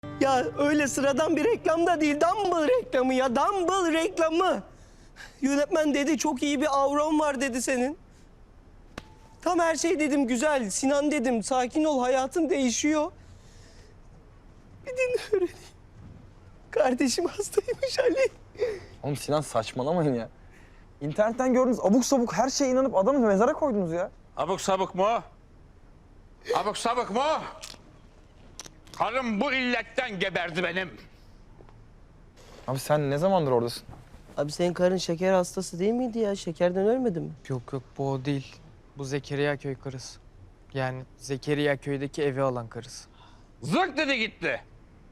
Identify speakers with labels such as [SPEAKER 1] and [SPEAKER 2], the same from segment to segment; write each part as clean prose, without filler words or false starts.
[SPEAKER 1] Ya öyle sıradan bir reklam da değil. Dumble reklamı ya. Dumble reklamı. Yönetmen dedi çok iyi bir avron var dedi senin. Tam her şey dedim güzel. Sinan dedim sakin ol hayatın değişiyor. Bir dinle öğreneyim. Kardeşim hastaymış Ali.
[SPEAKER 2] Oğlum Sinan saçmalamayın ya. İnternetten gördüğünüz abuk sabuk her şeye inanıp adamı mezara koydunuz ya.
[SPEAKER 3] Abuk sabuk mu? Abuk sabuk mu? Karım bu illetten geberdi benim.
[SPEAKER 2] Abi sen ne zamandır oradasın?
[SPEAKER 1] Abi senin karın şeker hastası değil miydi ya? Şekerden ölmedi mi?
[SPEAKER 4] Yok yok bu o değil. Bu Zekeriya köy karısı. Yani Zekeriya köydeki evi alan karısı.
[SPEAKER 3] Zık dedi gitti.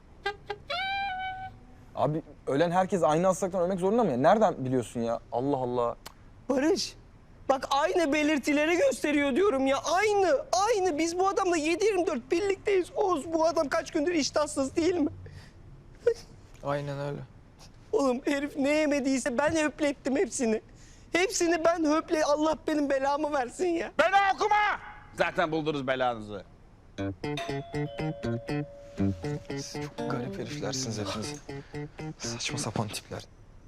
[SPEAKER 2] Abi ölen herkes aynı hastalıktan ölmek zorunda mı ya? Nereden biliyorsun ya? Allah Allah.
[SPEAKER 1] Barış. Bak aynı belirtileri gösteriyor diyorum ya. Aynı. Biz bu adamla 7/24 birlikteyiz. Oğuz bu adam kaç gündür iştahsız değil mi?
[SPEAKER 4] Aynen öyle.
[SPEAKER 1] Oğlum herif ne yemediyse ben höplettim hepsini. Hepsini ben Allah benim belamı versin ya.
[SPEAKER 3] Bela okuma! Zaten buldunuz belanızı.
[SPEAKER 2] Siz çok garip heriflersiniz hepiniz. Saçma sapan tipler.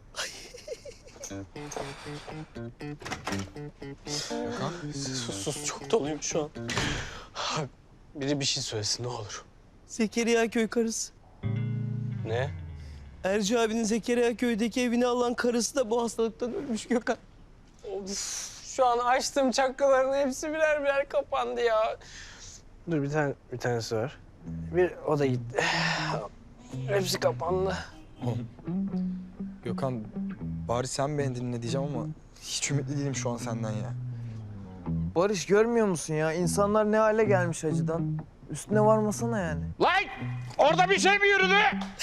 [SPEAKER 2] Gökhan.
[SPEAKER 5] Sus çok doluyum şu an. Abi, biri bir şey söylesin ne olur.
[SPEAKER 1] Zekeriya köy karısı.
[SPEAKER 5] Ne?
[SPEAKER 1] Erci abinin Zekeriya köydeki evini alan karısı da bu hastalıktan ölmüş Gökhan.
[SPEAKER 5] Of, şu an açtığım çakraların hepsi birer birer kapandı ya. Dur bir tanesi var. O da gitti. Hepsi kapandı.
[SPEAKER 2] Gökhan bari sen beni dinle diyeceğim ama hiç ümitli değilim şu an senden ya.
[SPEAKER 4] Barış görmüyor musun ya? İnsanlar ne hale gelmiş acıdan. Üstüne varmasana yani.
[SPEAKER 3] Lan! Orada bir şey mi yürüdü?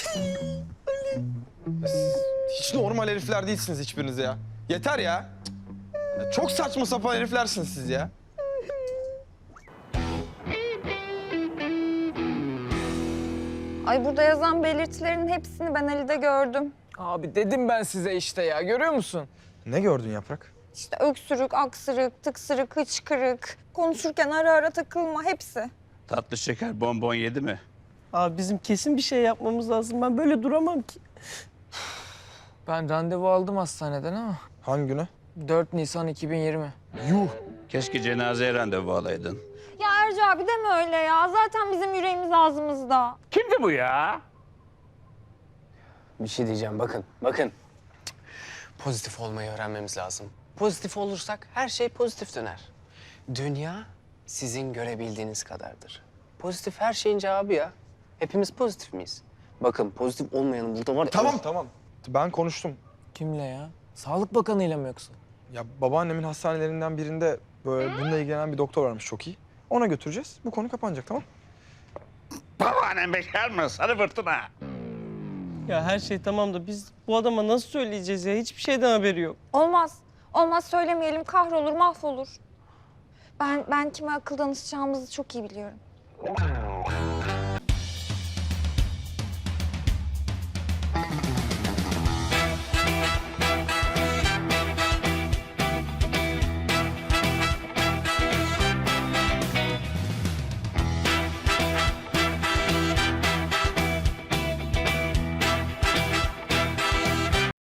[SPEAKER 2] Hiç normal herifler değilsiniz hiçbiriniz ya. Yeter ya. Ya çok saçma sapan heriflersiniz siz ya.
[SPEAKER 6] Ay burada yazan belirtilerin hepsini ben Ali'de gördüm.
[SPEAKER 4] Abi dedim ben size işte ya. Görüyor musun?
[SPEAKER 2] Ne gördün Yaprak?
[SPEAKER 6] İşte öksürük, aksırık, tıksırık, hıçkırık, konuşurken ara ara takılma hepsi.
[SPEAKER 3] Tatlı şeker bonbon yedi mi?
[SPEAKER 1] Abi bizim kesin bir şey yapmamız lazım. Ben böyle duramam ki.
[SPEAKER 4] Ben randevu aldım hastaneden ama.
[SPEAKER 2] Hangi güne?
[SPEAKER 4] 4 Nisan 2020.
[SPEAKER 2] Yuh.
[SPEAKER 3] Keşke cenazeye randevu alaydın.
[SPEAKER 6] Ya Erci abi deme öyle ya. Zaten bizim yüreğimiz ağzımızda.
[SPEAKER 3] Kimdi bu ya?
[SPEAKER 5] Bir şey diyeceğim bakın. Pozitif olmayı öğrenmemiz lazım. Pozitif olursak her şey pozitif döner. Dünya sizin görebildiğiniz kadardır. Pozitif her şeyin cevabı ya. Hepimiz pozitif miyiz? Bakın pozitif olmayanın burada var ya...
[SPEAKER 2] Tamam. Ben konuştum.
[SPEAKER 4] Kimle ya? Sağlık Bakanı'yla mı yoksa?
[SPEAKER 2] Ya babaannemin hastanelerinden birinde böyle bununla ilgilenen bir doktor varmış çok iyi. Ona götüreceğiz. Bu konu kapanacak tamam?
[SPEAKER 3] Babaannem bekar mı? Sarı fırtına.
[SPEAKER 1] Ya her şey tamam da biz bu adama nasıl söyleyeceğiz ya? Hiçbir şeyden haberi yok.
[SPEAKER 6] Olmaz. Olmaz söylemeyelim. Kahrolur, mahvolur. Ben kime akıl danışacağımızı çok iyi biliyorum.